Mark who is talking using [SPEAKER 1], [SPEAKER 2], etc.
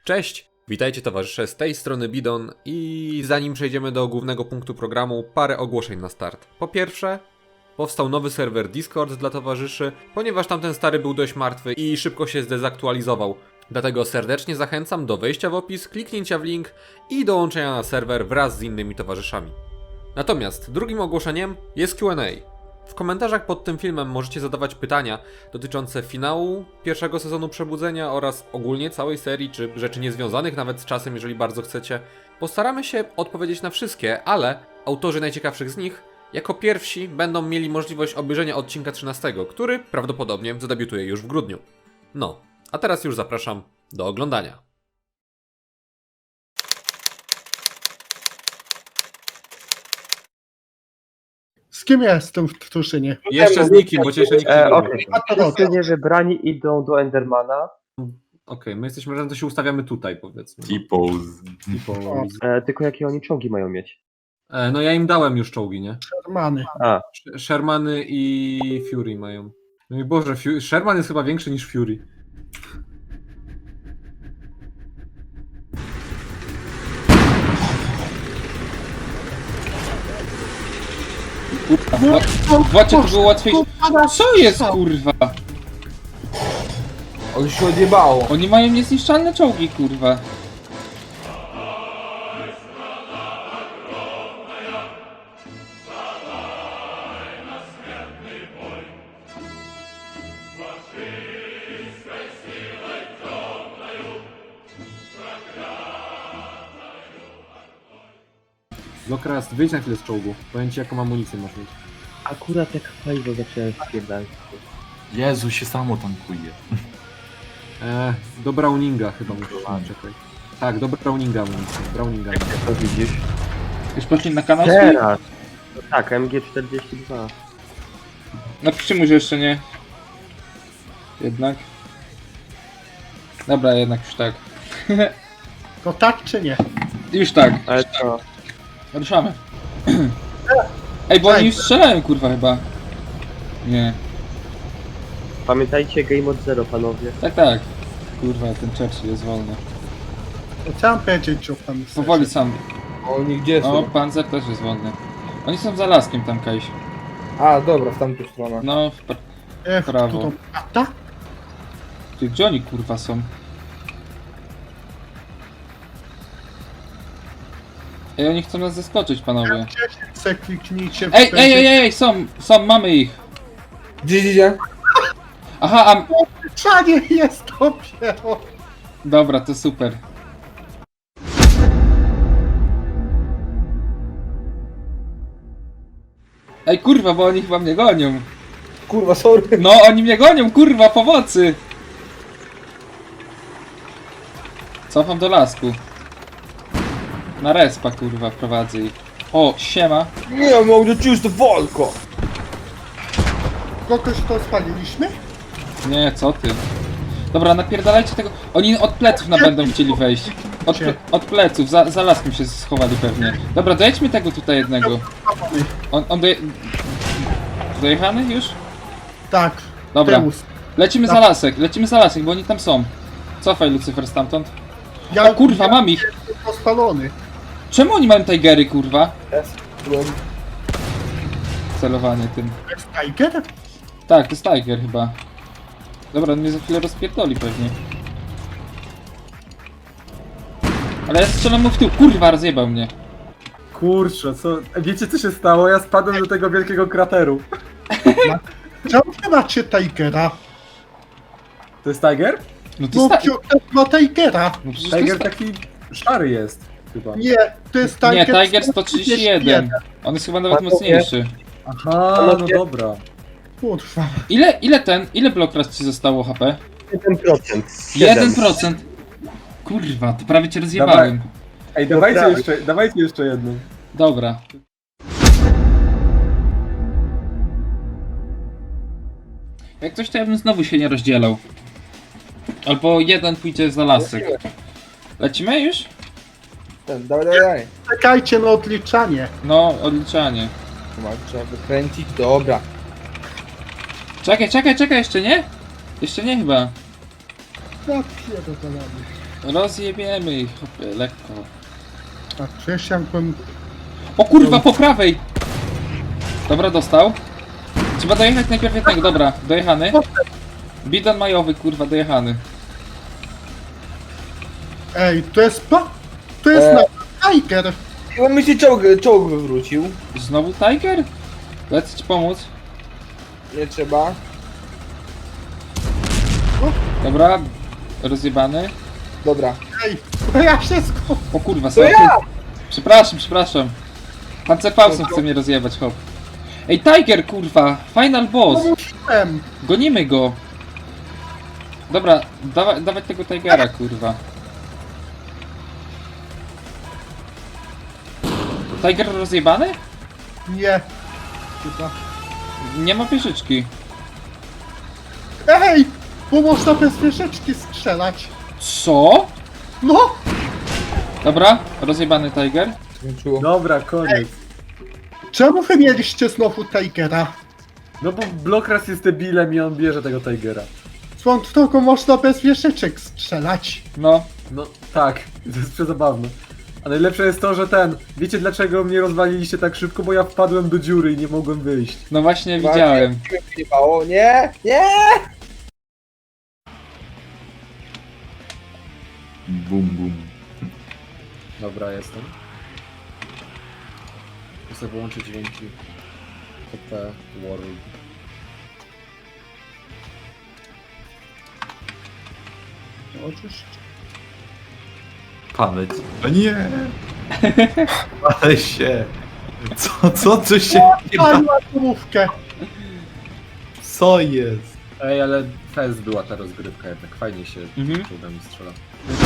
[SPEAKER 1] Cześć! Witajcie towarzysze, z tej strony Bidon i zanim przejdziemy do głównego punktu programu, parę ogłoszeń na start. Po pierwsze, powstał nowy serwer Discord dla towarzyszy, ponieważ tamten stary był dość martwy i szybko się zdezaktualizował. Dlatego serdecznie zachęcam do wejścia w opis, kliknięcia w link i dołączenia na serwer wraz z innymi towarzyszami. Natomiast drugim ogłoszeniem jest Q&A. W komentarzach pod tym filmem możecie zadawać pytania dotyczące finału pierwszego sezonu Przebudzenia oraz ogólnie całej serii, czy rzeczy niezwiązanych nawet z czasem, jeżeli bardzo chcecie. Postaramy się odpowiedzieć na wszystkie, ale autorzy najciekawszych z nich jako pierwsi będą mieli możliwość obejrzenia odcinka 13, który prawdopodobnie zadebiutuje już w grudniu. No, a teraz już zapraszam do oglądania.
[SPEAKER 2] Z kim ja jestem w drużynie?
[SPEAKER 1] Jeszcze z nikim, bo cię jeszcze nikt nie lubi.
[SPEAKER 3] Wszyscy niewybrani idą do Endermana,
[SPEAKER 1] Okej, my jesteśmy razem, to się ustawiamy tutaj, powiedzmy.
[SPEAKER 2] O.
[SPEAKER 3] tylko jakie oni czołgi mają mieć?
[SPEAKER 1] No ja im dałem już czołgi, nie?
[SPEAKER 2] Shermany.
[SPEAKER 1] Shermany i Fury mają. No i Boże, Sherman jest chyba większy niż Fury.
[SPEAKER 4] Właśnie to było łatwiejsze. Co jest kurwa?
[SPEAKER 5] On się odjebało.
[SPEAKER 4] Oni mają niezniszczalne czołgi kurwa.
[SPEAKER 1] Lokras, wyjdź na chwilę z czołgu. Powiem ci jaką amunicję masz mieć.
[SPEAKER 3] Akurat jak paliwo zacząłem spierdać.
[SPEAKER 5] Jezu, się samo tankuje.
[SPEAKER 1] Do Browninga chyba musisz mieć, czekaj. Tak, do Browninga amunicję. Browninga.
[SPEAKER 3] To widzisz?
[SPEAKER 4] Już poszli na kanał swój?
[SPEAKER 3] Teraz! No tak, MG42.
[SPEAKER 4] Napiszcie mu, że jeszcze nie. Jednak. Dobra, jednak już tak.
[SPEAKER 2] To tak czy nie?
[SPEAKER 4] Już tak.
[SPEAKER 3] Ale co?
[SPEAKER 4] Ruszamy. Ej, bo oni już strzelają kurwa chyba. Nie.
[SPEAKER 3] Pamiętajcie Game od Zero, panowie.
[SPEAKER 4] Tak, tak. Kurwa, ten Churchill jest wolny.
[SPEAKER 2] To chciałem powiedzieć o panu
[SPEAKER 4] Powoli sam.
[SPEAKER 5] Oni gdzie
[SPEAKER 4] O,
[SPEAKER 5] są?
[SPEAKER 4] Panzer też jest wolny. Oni są za laskiem tam kajś.
[SPEAKER 5] A, dobra, w tamtą stronę.
[SPEAKER 4] No, prawo.
[SPEAKER 2] To prawda?
[SPEAKER 4] Ty, gdzie oni kurwa są? Ej, oni chcą nas zaskoczyć, panowie.
[SPEAKER 2] Se kliknijcie w
[SPEAKER 4] Ej, są, mamy ich.
[SPEAKER 5] Gdzie?
[SPEAKER 4] Aha, a...
[SPEAKER 2] Czanie jest dopiero!
[SPEAKER 4] Dobra, to super. Ej, kurwa, bo oni chyba mnie gonią.
[SPEAKER 5] Kurwa, sorry.
[SPEAKER 4] No, oni mnie gonią, kurwa, pomocy! Cofam do lasku. Na respa, kurwa, prowadzę ich. O, siema.
[SPEAKER 5] Nie, mogę ci już to walko.
[SPEAKER 2] Kogoś to spaliliśmy?
[SPEAKER 4] Nie, co ty? Dobra, napierdalajcie tego. Oni od pleców będą chcieli wejść. Od pleców, za laskiem się schowali pewnie. Dobra, dojedźmy tego tutaj jednego. On dojechany już?
[SPEAKER 2] Tak.
[SPEAKER 4] Dobra.
[SPEAKER 2] Teus.
[SPEAKER 4] Lecimy za lasek, bo oni tam są. Cofaj Lucyfer stamtąd.
[SPEAKER 2] Ja
[SPEAKER 4] O kurwa, mam ich!
[SPEAKER 2] jestem spalony.
[SPEAKER 4] Czemu oni mają tigery, kurwa?
[SPEAKER 5] Byłem.
[SPEAKER 4] Celowanie tym.
[SPEAKER 2] Jest Tiger?
[SPEAKER 4] Tak, to jest tiger chyba. Dobra, on mnie za chwilę rozpierdoli pewnie. Ale ja strzelam mu w tył, kurwa, rozjebał mnie.
[SPEAKER 6] Kurczę, co? Wiecie co się stało? Ja spadłem do tego wielkiego krateru.
[SPEAKER 2] Czemu nie macie Tigera?
[SPEAKER 6] To jest Tiger?
[SPEAKER 4] No to
[SPEAKER 2] No,
[SPEAKER 4] jest
[SPEAKER 2] Piotr ma Tigera.
[SPEAKER 4] No przecież to
[SPEAKER 6] Tiger
[SPEAKER 4] jest
[SPEAKER 6] taki szary jest chyba.
[SPEAKER 2] Nie, to jest Tiger.
[SPEAKER 4] Nie, Tiger 131. On jest chyba nawet
[SPEAKER 3] Panowie.
[SPEAKER 4] mocniejszy.
[SPEAKER 6] Aha, no dobra.
[SPEAKER 2] Kurwa.
[SPEAKER 4] Ile blokras ci zostało HP?
[SPEAKER 3] 1%.
[SPEAKER 4] 1%. Kurwa, to prawie cię rozjebałem.
[SPEAKER 6] Ej, dawajcie jeszcze jedną.
[SPEAKER 4] Dobra. Jak coś to ja bym znowu się nie rozdzielał. Albo jeden pójdzie za lasek. Lecimy już?
[SPEAKER 5] Dawaj.
[SPEAKER 2] Czekajcie na odliczanie.
[SPEAKER 4] No, odliczanie.
[SPEAKER 5] Trzeba wykręcić, dobra.
[SPEAKER 4] Czekaj, jeszcze nie? Jeszcze nie chyba.
[SPEAKER 2] Ja pierdolę.
[SPEAKER 4] Rozjebiemy ich, chłopie, lekko.
[SPEAKER 2] A przecież jakbym...
[SPEAKER 4] O kurwa, po prawej! Dobra, dostał. Trzeba dojechać najpierw jednego, dobra, dojechany. Bidon majowy, kurwa, dojechany.
[SPEAKER 2] Ej, to jest to jest Tiger.
[SPEAKER 5] Chyba mi się czołg wywrócił.
[SPEAKER 4] Znowu Tiger? Lecę ci pomóc.
[SPEAKER 5] Nie trzeba.
[SPEAKER 4] Dobra, rozjebany.
[SPEAKER 5] Dobra.
[SPEAKER 2] Ej, to ja się
[SPEAKER 4] O kurwa,
[SPEAKER 5] To
[SPEAKER 4] sorry.
[SPEAKER 5] ja!
[SPEAKER 4] Przepraszam. Pancerfausem chce mnie rozjebać, hop. Ej, Tiger, kurwa! Final boss!
[SPEAKER 2] skupiłem.
[SPEAKER 4] Gonimy go! Dobra, dawać tego Tigera, kurwa. Tiger rozjebany?
[SPEAKER 2] Nie. Chyba.
[SPEAKER 4] Nie ma wieżyczki.
[SPEAKER 2] Ej, bo można bez wieżyczki strzelać.
[SPEAKER 4] Co?
[SPEAKER 2] No,
[SPEAKER 4] Dobra, rozjebany Tiger.
[SPEAKER 5] Skończyło.
[SPEAKER 6] Dobra, koniec.
[SPEAKER 2] czemu wy mieliście znowu Tigera?
[SPEAKER 6] No bo Blokras jest debilem i on bierze tego Tigera.
[SPEAKER 2] Swoją drogą można bez wieżyczek strzelać.
[SPEAKER 4] No,
[SPEAKER 6] No tak, to jest przezabawne. A najlepsze jest to, że wiecie dlaczego mnie rozwaliliście tak szybko? Bo ja wpadłem do dziury i nie mogłem wyjść.
[SPEAKER 4] no właśnie widziałem.
[SPEAKER 5] Wyjebało. Nie! Nie!
[SPEAKER 1] Dobra, jestem. Muszę wyłączyć dźwięki. TP World.
[SPEAKER 2] Oczywiście.
[SPEAKER 7] Pamięć. O nie! Ale się! Co się...
[SPEAKER 2] Paliła główkę.
[SPEAKER 7] Co jest?
[SPEAKER 1] Ej, ale fest była ta rozgrywka jednak, fajnie się
[SPEAKER 4] Mhm.
[SPEAKER 1] czołgami strzela.